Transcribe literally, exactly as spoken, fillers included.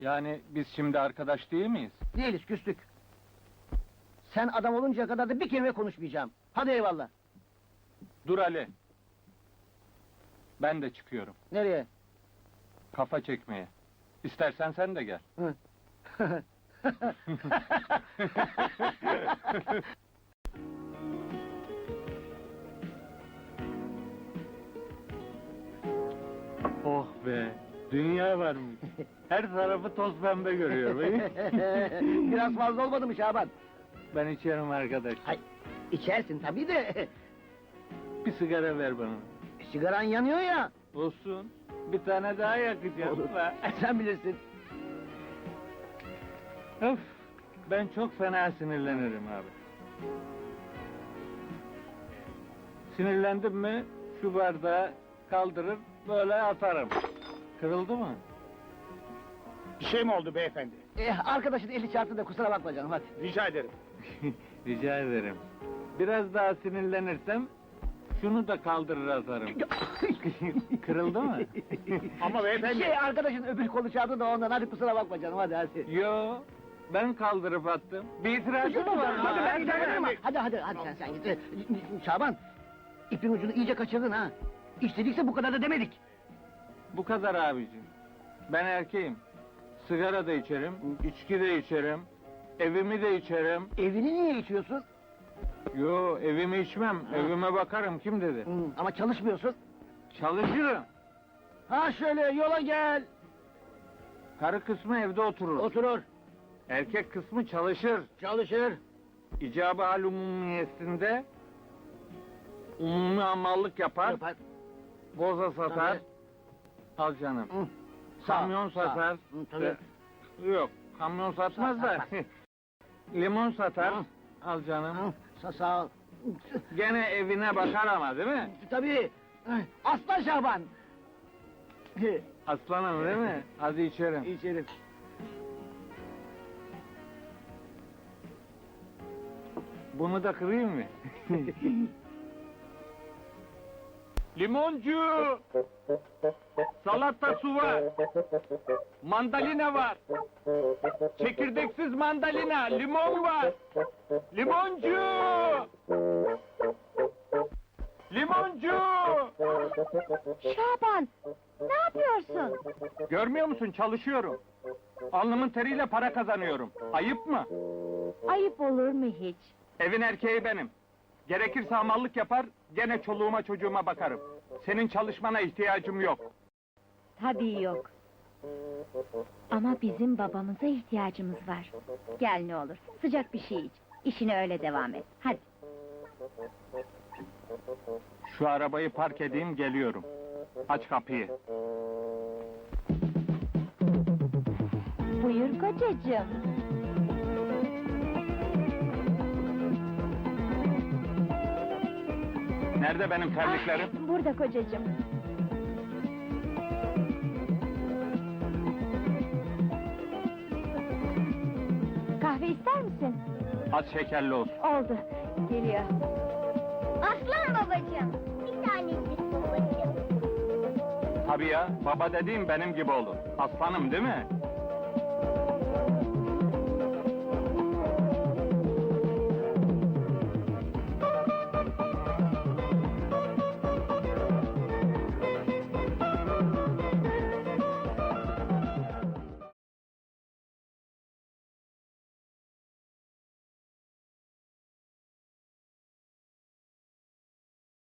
Yani biz şimdi arkadaş değil miyiz? Değiliz, küstük. Sen adam oluncaya kadar da bir kelime konuşmayacağım. Hadi eyvallah. Dur Ali. Ben de çıkıyorum. Nereye? Kafa çekmeye. İstersen sen de gel. Hı. Oh be! Dünya varmış. Her tarafı toz pembe görüyorum. Biraz fazla olmadı mı Şaban? Ben içerim arkadaş. Hay, içersin tabii de. Bir sigara ver bana. Sigaran yanıyor ya. Olsun. Bir tane daha yakacağım. Olur. Be. Sen bilirsin. Öf! Ben çok fena sinirlenirim abi. Sinirlendim mi şu bardağı kaldırır böyle atarım. Kırıldı mı? Bir şey mi oldu beyefendi? Eh, arkadaşın eli çarptı da kusura bakma canım, hadi. Rica ederim. Rica ederim. Biraz daha sinirlenirsem şunu da kaldırır atarım. Kırıldı mı? Ama beyefendi... Şey, arkadaşın öbür kolu çarptı da ondan, hadi kusura bakma canım, hadi hadi. Yo, ben kaldırıp attım. Bir itirazın mı var? Hadi, Ha, ben hadi, giderim. hadi. hadi hadi hadi sen sen git. Eh, Şaban, ipin ucunu iyice kaçırdın ha. İstedikse bu kadar da demedik. Bu kadar abicim. Ben erkeğim. Sigara da içerim, içki de içerim, evimi de içerim. Evini niye içiyorsun? Yo, evimi içmem, Ha. evime bakarım, kim dedi? Hı, ama çalışmıyorsun. Çalışırım. Ha şöyle, yola gel. Karı kısmı evde oturur. Oturur, Erkek kısmı çalışır. çalışır. İcabı hal umumiyesinde umumi hamallık yapar, Yapar. boza satar. Tabii. Al canım. Hı. Sağ ol, Kamyon sağ ol. satar. Hı, tabii. Yok, kamyon satmaz da. Limon satar. Hı. Al canım. Hı, Sağ, sağ ol. Gene evine bakar ama değil mi? Tabii. Aslan Şaban. Aslanım değil mi? Hadi içerim. İçerim. Bunu da kırayım mı? Limoncu! Salata su var. Mandalina var. Çekirdeksiz mandalina, limon var. Limoncu! Limoncu! Şaban, ne yapıyorsun? Görmüyor musun? Çalışıyorum. Alnımın teriyle para kazanıyorum. Ayıp mı? Ayıp olur mu hiç? Evin erkeği benim. Gerekirse hamallık yapar, gene çoluğuma çocuğuma bakarım. Senin çalışmana ihtiyacım yok. Tabii yok. Ama bizim babamıza ihtiyacımız var. Gel ne olur, sıcak bir şey iç. İşine öyle devam et, hadi. Şu arabayı park edeyim, geliyorum. Aç kapıyı. Buyur kocacığım. Nerede benim terliklerim? Ah, burada kocacığım. Kahve ister misin? Az şekerli olsun. Oldu, geliyor. Aslan babacığım, bir tanecik babacığım. Tabii ya, baba dediğim benim gibi olur. Aslanım değil mi?